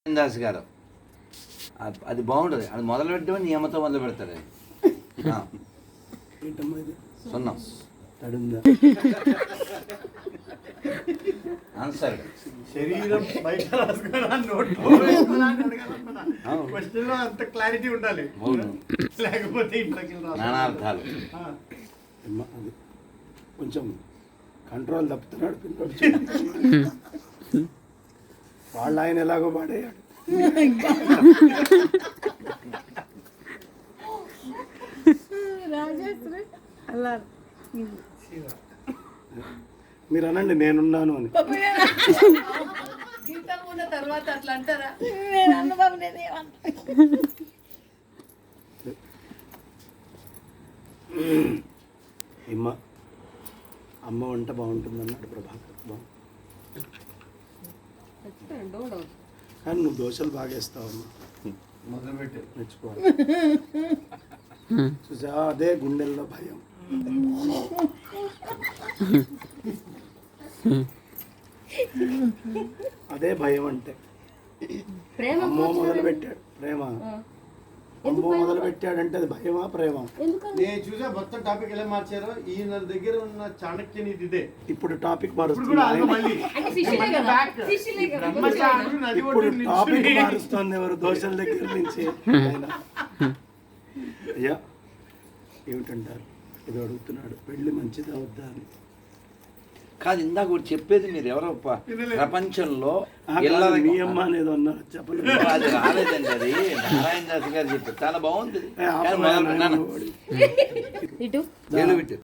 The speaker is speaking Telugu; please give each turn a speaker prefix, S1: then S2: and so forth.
S1: దాస్ గారు అది బాగుంటుంది. అది మొదలు పెట్టడం నియమతో మొదలు పెడతాడు. సున్నం ఆన్సర్
S2: శరీరం బయట అంత క్లారిటీ ఉండాలి, లేకపోతే
S1: నానార్థాలు.
S2: కొంచెం కంట్రోల్ తప్పుతున్నాడు పిల్లడు. వాళ్ళ ఆయన ఎలాగో పాడేయాడు. మీరు అనండి నేనున్నాను అని.
S3: తర్వాత అట్లా అంటారా?
S2: అమ్మ వంట బాగుంటుంది అన్నాడు ప్రభాకర్. కానీ నువ్వు దోశలు బాగా వేస్తావు అమ్మ, మొదలుపెట్టి మెచ్చుకోవాలి. చూసా, అదే గుండెల్లో భయం. అదే భయం అంటే అమ్మో మొదలు పెట్టాడు ప్రేమ, అమ్మో మొదలు పెట్టాడంటే అది భయమా ప్రేమ? నేను చూసా మొత్తం టాపిక్ ఎలా మార్చారో. ఈయన దగ్గర ఉన్న చాణక్య నీతి ఇదే. ఇప్పుడు టాపిక్ మారుస్తుంది, ఇప్పుడు టాపిక్ మారుస్తుంది ఎవరు? దోశల దగ్గర నుంచి. అయ్యా ఏమిటంటారు? ఇది అడుగుతున్నాడు, పెళ్లి మంచిదా వద్దా అని.
S1: కాదు, ఇందాక ఒకటి చెప్పేది మీరు ఎవరో ప్రపంచంలో
S2: మీ అమ్మ అనేది అన్నారు, చెప్పలేదు.
S1: అది రాలేదండి, అది నారాయణ దాస్ గారు చెప్పారు. చాలా బాగుంది.
S3: ఇటు
S1: పెట్టు